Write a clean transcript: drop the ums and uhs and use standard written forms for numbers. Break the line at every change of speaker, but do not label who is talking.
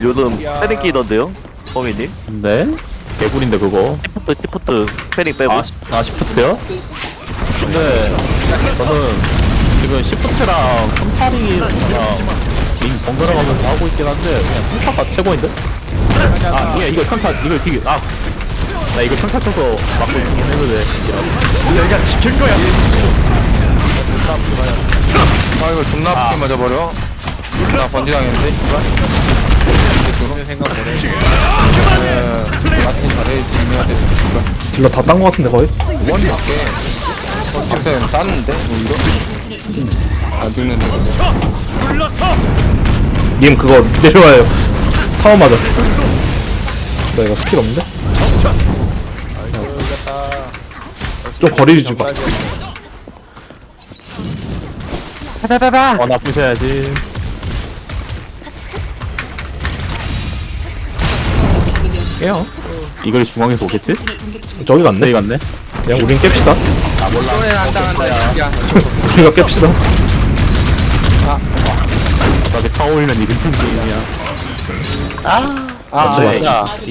요즘 스페링 끼던데요? 범인님?
네? 개구리인데 그거.
시프트 스페링 빼고.
시프트요? 근데 저는 지금 시프트랑 컨타링이랑 링 번갈아 가면서 하고 있긴 한데 그냥 평타가 최고인데? 이거 평타 이거 되게 나 이거 평타 쳐서 막고 있긴 했는데
내가 지킬 거야.
이거 존나 아프게 맞아버려. 나 번지 당했는데. 생각 못해. 마틴 잘해주면 돼.
딜러 다 딴 거 같은데 거의?
원 밖에. 앞에 땄는데 이거? 안 죽는데.
님 그거 내려와요. 타워 맞아. 나 이거 스킬 없는데? 좀 거리 좀 봐.
나쁘셔야지. 깨요. 이걸 중앙에서 오겠지?
저기 갔네.
네 갔네.
그냥 우린 깹시다.
손에 안 당한다 야.
우리가 깹시다.
나게 타올리면 이긴 팀 게임이야.
맞지,
야